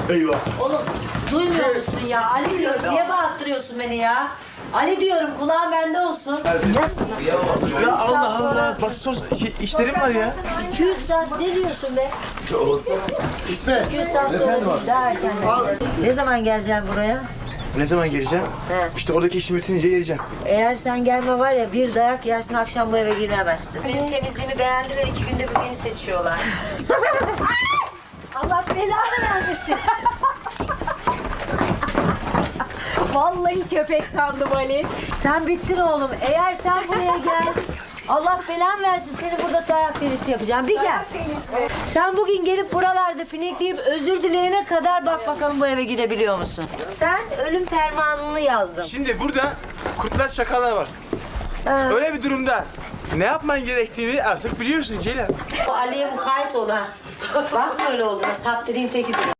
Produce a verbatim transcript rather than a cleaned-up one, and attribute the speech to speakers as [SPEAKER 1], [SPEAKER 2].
[SPEAKER 1] Eyvah.
[SPEAKER 2] Oğlum duymuyor musun ya? Ali diyorum. Niye bağırttırıyorsun beni ya? Ali diyorum kulağın bende olsun.
[SPEAKER 3] Ya Allah Allah. Bak sos şey, işlerim var ya.
[SPEAKER 2] iki yüz saat ne diyorsun be?
[SPEAKER 1] İsmet.
[SPEAKER 2] iki yüz saat sonra değil, daha erken. Ne zaman geleceğim buraya?
[SPEAKER 3] Ne zaman geleceğim?
[SPEAKER 2] He.
[SPEAKER 3] İşte oradaki işim bitince geleceğim.
[SPEAKER 2] Eğer sen gelme var ya bir dayak yersin akşam bu eve giremezsin. Benim temizliğimi beğendiler iki günde bir beni seçiyorlar. Allah belanı vermesin.
[SPEAKER 4] Vallahi köpek sandım Ali.
[SPEAKER 2] Sen bittin oğlum. Eğer sen buraya gel. Allah belan versin seni burada dayak delisi yapacağım. Bir gel.
[SPEAKER 4] Delisi.
[SPEAKER 2] Sen bugün gelip buralarda pinekleyip özür dileyene kadar bak bakalım bu eve gidebiliyor musun? Sen ölüm fermanını yazdın.
[SPEAKER 3] Şimdi burada kurtlar şakalar var.
[SPEAKER 2] Ha.
[SPEAKER 3] Öyle bir durumda ne yapman gerektiğini artık biliyorsun Ceylan.
[SPEAKER 2] O Ali'ye mukayyet ol ha. Bakma öyle olduğuna saf dediğin tekidir.